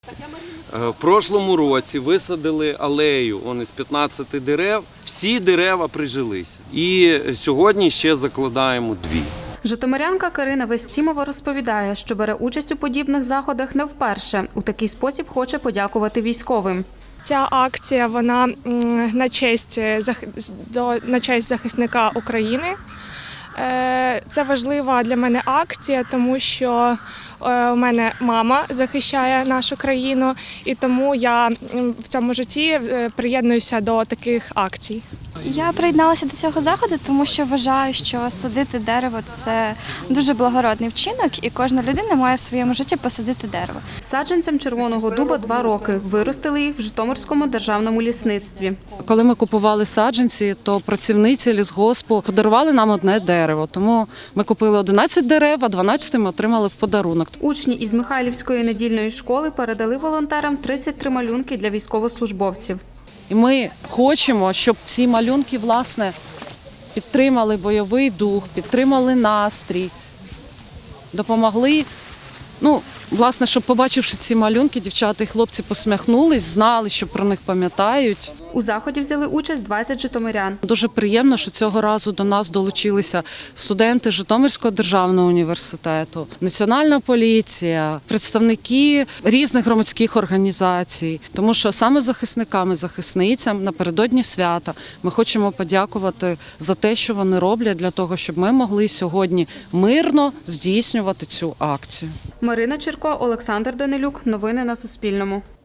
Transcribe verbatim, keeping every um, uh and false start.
В прошлому році висадили алею он із п'ятнадцяти дерев, всі дерева прижилися. І сьогодні ще закладаємо дві. Житомирянка Карина Вестімова розповідає, що бере участь у подібних заходах не вперше. У такий спосіб хоче подякувати військовим. Ця акція вона на честь, на честь захисника України. Це важлива для мене акція, тому що у мене мама захищає нашу країну, і тому я в цьому житті приєднуюся до таких акцій. Я приєдналася до цього заходу, тому що вважаю, що садити дерево – це дуже благородний вчинок, і кожна людина має в своєму житті посадити дерево. Саджанцям червоного дуба два роки. Виростили їх в Житомирському державному лісництві. Коли ми купували саджанці, то працівниці лісгоспу подарували нам одне дерево. Тому ми купили одинадцять дерев, а дванадцяте ми отримали в подарунок. Учні із Михайлівської недільної школи передали волонтерам тридцять три малюнки для військовослужбовців. І ми хочемо, щоб ці малюнки, власне, підтримали бойовий дух, підтримали настрій, допомогли. Ну, власне, щоб, побачивши ці малюнки, дівчата і хлопці посміхнулись, знали, що про них пам'ятають. У заході взяли участь двадцять житомирян. Дуже приємно, що цього разу до нас долучилися студенти Житомирського державного університету, Національна поліція, представники різних громадських організацій. Тому що саме захисникам і захисницям напередодні свята ми хочемо подякувати за те, що вони роблять для того, щоб ми могли сьогодні мирно здійснювати цю акцію. Марина Чирко, Олександр Данилюк. Новини на Суспільному.